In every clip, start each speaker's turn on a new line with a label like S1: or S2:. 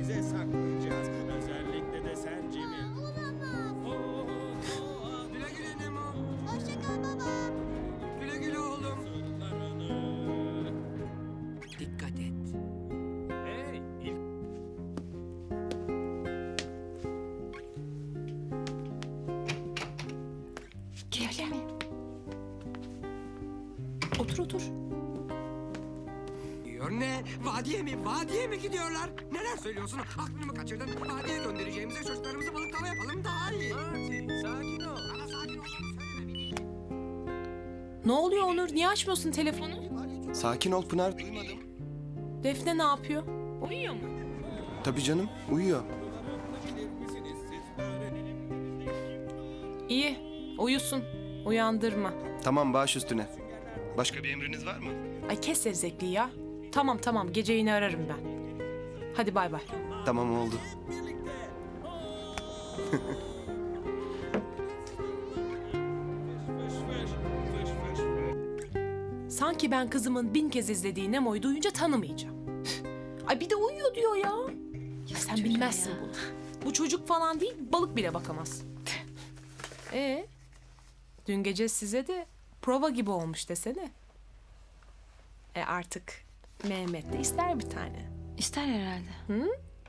S1: kendimize saklayacağız. Özellikle de sen Jimmy.
S2: Güle güle Nemo.
S3: Hoşça kal baba.
S2: Güle güle oğlum.
S4: Dikkat et.
S1: Hey, ilk
S5: Öyle mi? Otur otur.
S2: Diyor ne? Vadiye mi? Vadiye mi gidiyorlar? Neler söylüyorsun? Aklını mı kaçırdın? Vadiye göndereceğimize çocuklarımızı balıklama yapalım daha iyi.
S1: Marty, sakin ol.
S2: Bana sakin olmamı söyleme.
S5: Ne oluyor Onur? Niye açmıyorsun telefonu?
S6: Sakin ol Pınar, duymadım.
S5: Defne ne yapıyor? Uyuyor mu?
S6: Tabii canım, uyuyor.
S5: İyi. Uyusun. Uyandırma.
S6: Tamam, baş üstüne. Başka bir emriniz var mı?
S5: Ay kes zevzekliği ya. Tamam tamam. Gece yine ararım ben. Hadi bay bay.
S6: Tamam, oldu.
S5: Sanki ben kızımın 1000 kez izlediği Nemo'yu duyunca tanımayacağım. Ay bir de uyuyor diyor ya. Ya sen bilmezsin bunu. Bu çocuk falan değil, balık bile bakamaz. Dün gece size de prova gibi olmuş desene. Artık Mehmet de ister bir tane.
S3: İster herhalde.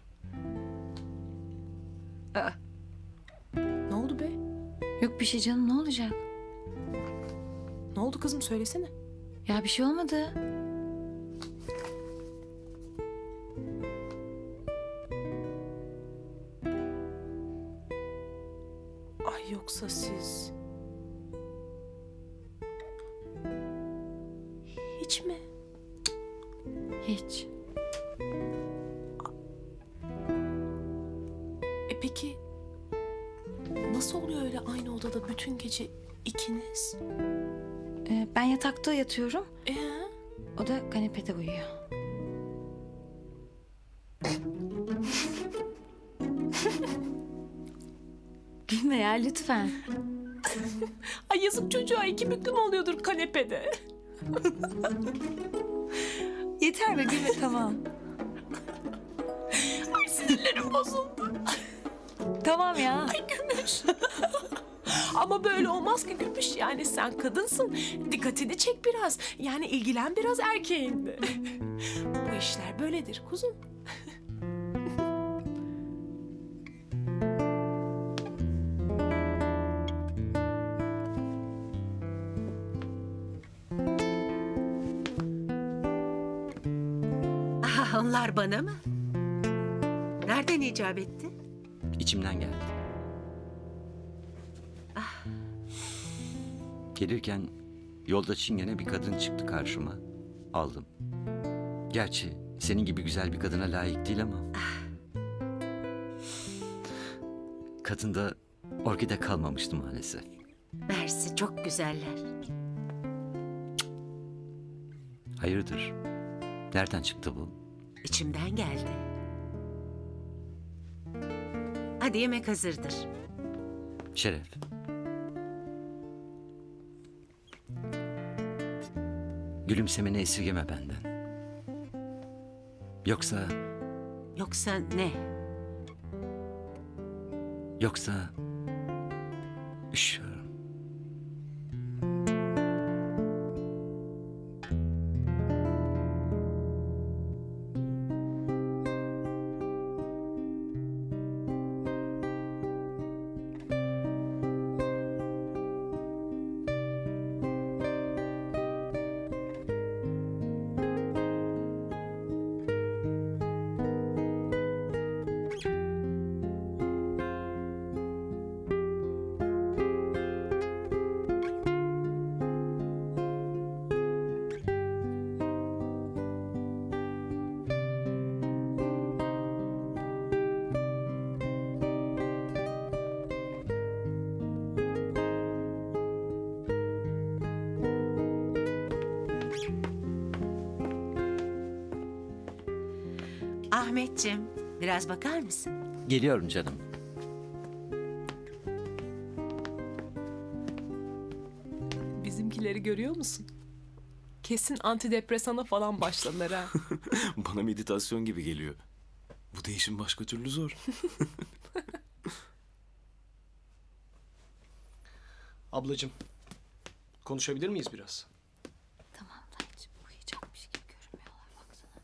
S5: Ne oldu be?
S3: Yok bir şey canım, ne olacak?
S5: Ne oldu kızım söylesene.
S3: Ya bir şey olmadı.
S5: Ay yoksa siz... Hiç mi?
S3: Hiç.
S5: Peki nasıl oluyor öyle aynı odada bütün gece ikiniz?
S3: Ben yatakta yatıyorum.
S5: Ee?
S3: O da kanepede uyuyor. Gülme ya lütfen.
S5: Ay yazık çocuğa, iki büklüm oluyordur kanepede.
S3: Yeter be gülme, tamam.
S5: Ay sinirlerim bozuldu.
S3: Tamam ya.
S5: Ay Gümüş. Ama böyle olmaz ki Gümüş. Yani sen kadınsın. Dikkatini çek biraz. Yani ilgilen biraz erkeğinle. Bu işler böyledir kuzum.
S4: Aha, onlar bana mı? Nereden icap etti?
S7: İçimden geldi. Gelirken yolda çingene bir kadın çıktı karşıma. Aldım. Gerçi senin gibi güzel bir kadına layık değil ama. Kadında orkide kalmamıştı maalesef.
S4: Mersi, çok güzeller.
S7: Hayırdır? Nereden çıktı bu?
S4: İçimden geldi. Hadi yemek hazırdır.
S7: Şeref. Gülümsemeni esirgeme benden. Yoksa
S4: Yoksa ne?
S7: üşüyorum.
S4: Ahmetciğim, biraz bakar mısın?
S7: Geliyorum canım.
S5: Bizimkileri görüyor musun? Kesin antidepresana falan başladılar ha.
S8: Bana meditasyon gibi geliyor. Bu değişim başka türlü zor. Ablacığım, konuşabilir miyiz biraz?
S3: Tamam dayıcığım uyuyacakmış gibi görünmüyorlar baksana.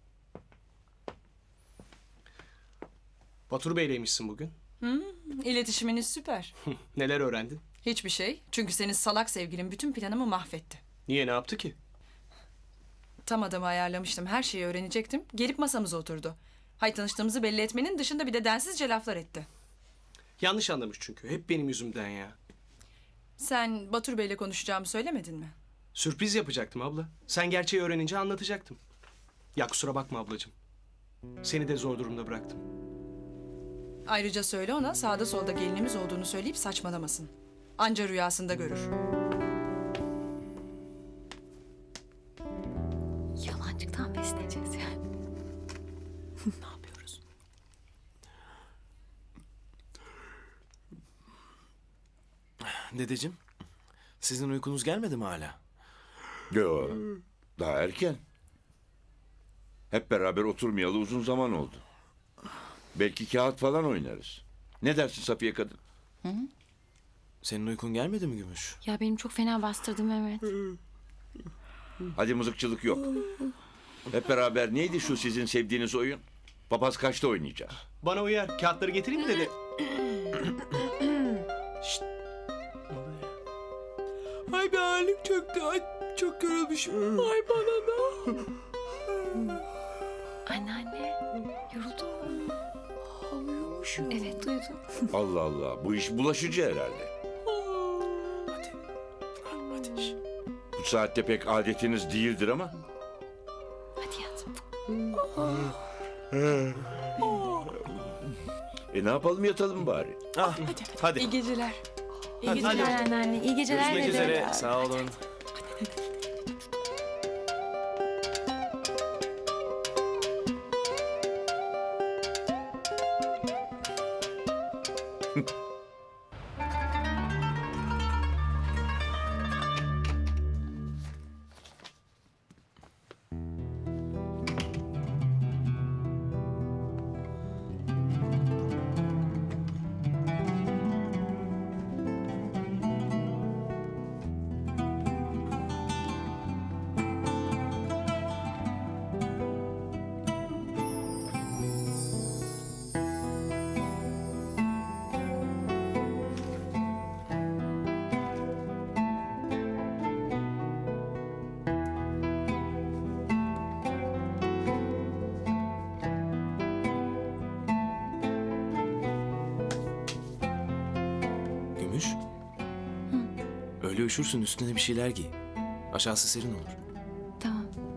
S8: Batur Bey'leymişsin bugün.
S9: İletişiminiz süper.
S8: Neler öğrendin?
S9: Hiçbir şey. Çünkü senin salak sevgilin bütün planımı mahvetti.
S8: Niye, ne yaptı ki?
S9: Tam adamı ayarlamıştım. Her şeyi öğrenecektim. Gelip masamıza oturdu. Hay tanıştığımızı belli etmenin dışında bir de densizce laflar etti.
S8: Yanlış anlamış çünkü. Hep benim yüzümden ya.
S9: Sen Batur Bey'le konuşacağımı söylemedin mi?
S8: Sürpriz yapacaktım abla. Sen gerçeği öğrenince anlatacaktım. Ya kusura bakma ablacığım. Seni de zor durumda bıraktım.
S9: Ayrıca söyle ona sağda solda gelinimiz olduğunu söyleyip saçmalamasın. Anca rüyasında görür.
S3: Yalancıktan besleyeceğiz yani.
S5: Ne yapıyoruz?
S8: Dedeciğim, sizin uykunuz gelmedi mi hala?
S10: Yo, daha erken. Hep beraber oturmayalı uzun zaman oldu. Belki kağıt falan oynarız. Ne dersin Safiye kadın?
S8: Senin uykun gelmedi mi Gümüş?
S3: Ya benim çok fena bastırdı Mehmet.
S10: Hadi mızıkçılık yok. Hep beraber neydi şu sizin sevdiğiniz oyun? Papaz kaçta oynayacağız?
S8: Bana uyar. Kağıtları getireyim mi dede? Şşt.
S2: Ay bir halim çöktü. Ay çok yorulmuşum. Ay bana da.
S3: Anneanne yoruldun mu? Uyumuşum. Evet duydum.
S10: Allah Allah, bu iş bulaşıcı herhalde.
S8: Hadi. Hadi. Şşt.
S10: Bu saatte pek adetiniz değildir ama.
S3: Hadi yat.
S10: Ne yapalım, yatalım bari.
S8: Ah, hadi.
S9: İyi geceler.
S3: İyi geceler anneanne. İyi geceler
S8: Görüşmek
S3: dede.
S8: üzere. Sağ olun. Gümüş. Öyle üşürsün, üstüne bir şeyler giy. Aşağısı serin olur.
S3: Tamam.